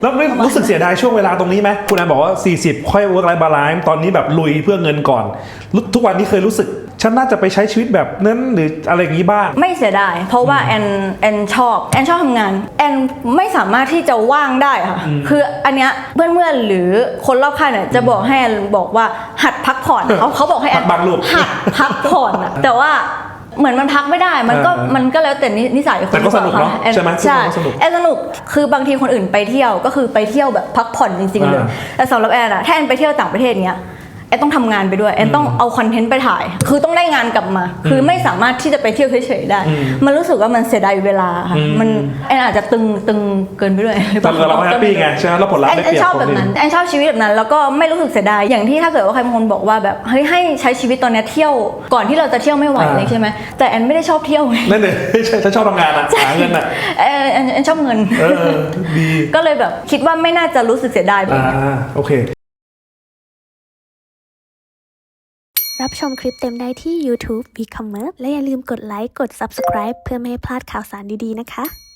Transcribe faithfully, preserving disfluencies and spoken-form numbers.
แล้วไม่รู้สึกเสียดายช่วงเวลาตรงนี้ไหมคุณแอนบอกว่าสี่สิบค่อย work life balance ตอนนี้แบบลุยเพื่อเงินก่อนทุกวันนี้เคยรู้สึกฉันน่าจะไปใช้ชีวิตแบบนั้นหรืออะไรอย่างนี้บ้างไม่เสียดายเพราะว่าแอนแอนชอบแอนชอบทำงานแอนไม่สามารถที่จะว่างได้ค่ะคืออันเนี้ยเพื่อนๆหรือคนรอบข้างเนี่ยจะบอกให้แอนบอกว่าหัดพักผ่อนเขาเขาบอกให้แอนหัดพักผ่อนอะแต่ว่าเหมือนมันพักไม่ได้มันก็มันก็แล้วแต่นิสัยคนแต่ก็สนุกเนาะใช่ไหมใช่แอนสนุกคือบางทีคนอื่นไปเที่ยวก็คือไปเที่ยวแบบพักผ่อนจริงๆเลยแต่สำหรับแอนอะถ้าแอนไปเที่ยวต่างประเทศเนี้ยแอนต้องทำงานไปด้วยแอนต้องเอาคอนเทนต์ไปถ่ายคือต้องได้งานกลับมาคือไม่สามารถที่จะไปเที่ยวเฉยๆได้มันรู้สึกว่ามันเสียดายเวลาค่ะมันแอนอาจจะตึงตึงเกินไปด้วยแต่เราแฮปปี้ไงใช่ไหมแล้วผลลัพธ์ได้เปรียบแอนชอบแบบนั้นแอนชอบชีวิตแบบนั้นแล้วก็ไม่รู้สึกเสียดายอย่างที่ถ้าเกิดว่าใครบางคนบอกว่าแบบเฮ้ยให้ใช้ชีวิตตอนนี้เที่ยวก่อนที่เราจะเที่ยวไม่ไหวเลยใช่ไหมแต่แอนไม่ได้ชอบเที่ยวนั่นเลยใช่ฉันชอบทำงานอะหาเงินอะแอนแอนชอบเงินดีก็เลยแบบคิดว่าไม่น่าจะรู้สึกเสียดายแบบนี้โอเครับชมคลิปเต็มได้ที่ YouTube วี คอมเมอร์ส และอย่าลืมกดไลค์ กด ซับสไครบ์ เพื่อไม่ให้พลาดข่าวสารดีๆนะคะ